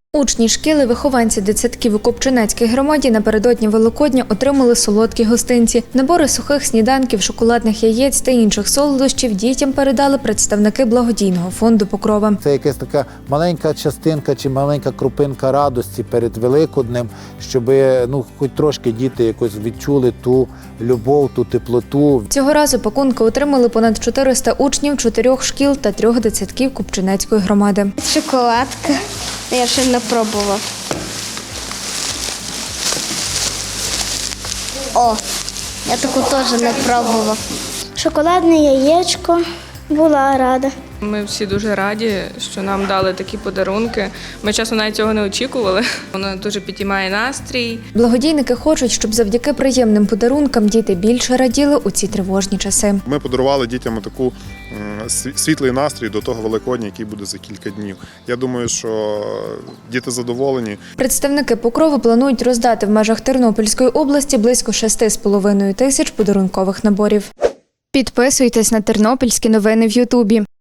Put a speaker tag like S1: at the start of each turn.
S1: Учні шкіли, вихованці дитсадків у Купчинецькій громаді напередодні Великодня отримали солодкі гостинці. Набори сухих сніданків, шоколадних яєць та інших солодощів дітям передали представники благодійного фонду «Покрова».
S2: Це якась така маленька частинка чи маленька крупинка радості перед Великоднем, щоб хоч трошки діти якось відчули ту любов, ту теплоту.
S1: Цього разу пакунки отримали понад 400 учнів 4 шкіл та 3 дитсадків Купчинецької громади.
S3: Шоколадка. Я ще не пробував. О, я таку теж не пробував. Шоколадне яєчко, була рада.
S4: Ми всі дуже раді, що нам дали такі подарунки. Ми, чесно, навіть цього не очікували. Воно дуже підіймає настрій.
S1: Благодійники хочуть, щоб завдяки приємним подарункам діти більше раділи у ці тривожні часи.
S5: Ми подарували дітям таку світлий настрій до того Великодня, який буде за кілька днів. Я думаю, що діти задоволені.
S1: Представники «Покрови» планують роздати в межах Тернопільської області близько 6,5 тисяч подарункових наборів. Підписуйтесь на тернопільські новини в Ютубі.